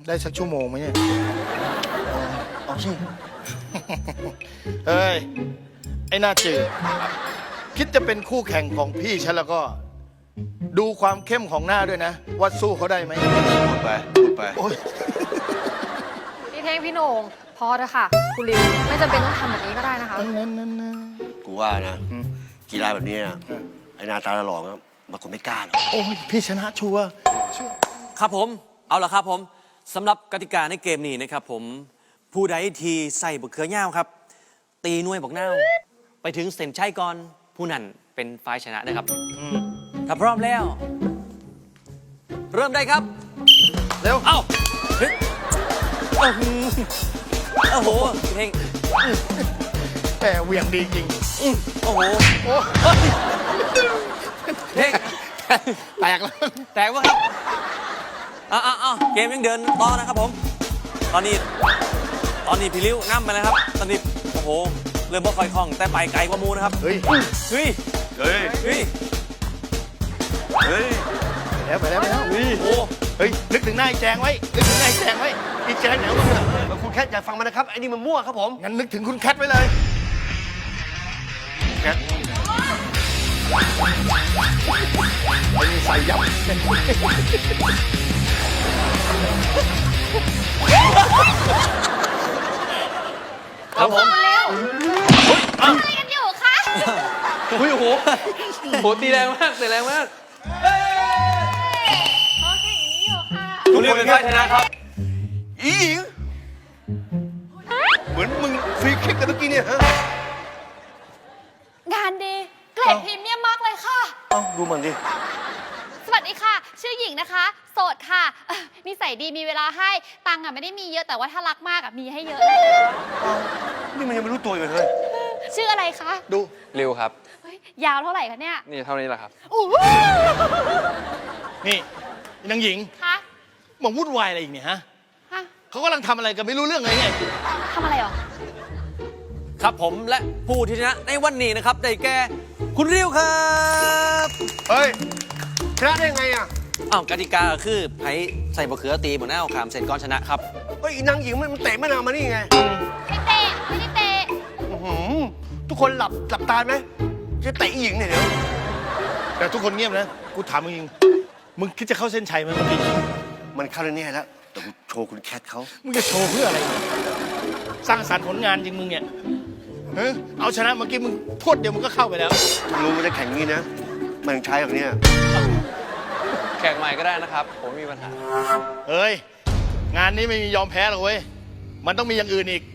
ได้สักชั่วโมงไหมเนี่ยเอาสิเฮ้ย ไอ้หน้าจืดคิดจะเป็นคู่แข่งของพี่ฉันแล้วก็ ดูความเข้มของหน้าด้วยนะ ว่าสู้เขาได้ไหมพูดไปพูดไปโอ้ยพี่เท่งพี่โหน่งพอเถอะค่ะ คุณลิวไม่จำเป็นต้องทำแบบนี้ก็ได้นะคะนั่นกูว่านะกีฬาแบบนี้นะไอ้หนาตาหล่อๆมันคงไม่กล้าหรอกโอ้ยพี่ชนะชัวร์ครับผมเอาละครับผมสำหรับกติกาในเกมนี้นะครับผมผู้ใดทีใส่บกเขือเง่าครับ ตีหน่วยบอกเน่าไปถึงเส้นชัยก่อนผู้นั้นเป็นฝ่ายชนะนะครับถ้าพร้อมแล้ว เริ่มได้ครับเร็วเอ้าฮึดโอ้โหพี่เท่งแต่เหวี่ยงดีจริงโอ้โหโอ้เท่งแตกแล้วแตกวะครับอ้าวเกมยังเดินต่อนะครับผมตอนนี้พี่ลิ้วนั่มไปแล้วครับตอนนี้โอ้โหเริ่มบ่ค่อยคล่องแต่ไปไกลกว่ามูนะครับเฮ้ยเฮ้ยเฮ้ยเฮ้ยเฮ้ยไปแล้วโอ้โหเฮ้ย นึกถึงหน้าไอ้แจงไว้ นึกถึงหน้าไอ้แจงไว้ไอ้แจงไหนวะมึงอะคุณแคทอย่าฟังมันนะครับไอ้นี่มันมั่วครับผมงั้นนึกถึงคุณแคทไว้เลยแคทไอ้นี่ใส่ยับครับผมเร็วอะไรกันอยู่คะอุ้ยโอ้โหโหตีแรงมากตีแรงมากโอเคอย่างนี้อยู่ค่ะคุณเรียกเป็นฝ่ายชนะครับอีหญิงเหมือนมึงฟรีคิกกันเมื่อกี้เนี่ยฮะงานดีเกรดพรีเมียมมากเลยค่ะเอ้าดูมันดิสวัสดีค่ะ ชื่อหญิงนะคะ โสดค่ะนิสัยดีมีเวลาให้ตังค์อ่ะไม่ได้มีเยอะแต่ว่าถ้ารักมากอ่ะมีให้เยอะเลยนี่มันยังไม่รู้ตัวอยู่เลยชื่ออะไรคะดูริวครับเฮ้ยยาวเท่าไหร่คะเนี่ยนี่เท่านี้แหละครับอู้หูนี่นางหญิงคะมาวุ่นวายอะไรอีกเนี่ยฮะฮะเขากำลังทำอะไรกันไม่รู้เรื่องเลยไงทำอะไรหรอครับผมและผู้ที่ชนะในวันนี้นะครับได้แก่คุณริวครับเฮ้ยชนะได้ยังไงอ่ะอ้าวกติกาคือไผ่ใส่บะเขือตีบนหน้าขามเสร็จก่อนชนะครับเฮ้ยอีนางหญิงมันเตะมะนาวมานี่ไงไม่เตะไม่ได้เตะอื้อหือทุกคนหลับตาไหมจะเตะอีหญิงเนี่ยเดี๋ยวแต่ทุกคนเงียบนะ กูถามมึงจริงมึงคิดจะเข้าเส้นชัยไหมเมื่อกี้มันเข้าแน่ๆแล้วแต่กูโชว์คุณแคทเขามึงจะโชว์เพื่ออะไร สร้างสรรค์ผลงานจริงมึงเนี่ยเฮ้ยเอาชนะเมื่อกี้มึงพรวดเดียวมึงก็เข้าไปแล้วรู้ว่าจะแข่งงี้นะ มันใช้แบบเนี้ยแข่งใหม่ก็ได้นะครับ ผมไม่มีปัญหาเฮ้ย งานนี้ไม่มียอมแพ้หรอกเว้ย มันต้องมีอย่างอื่นอีก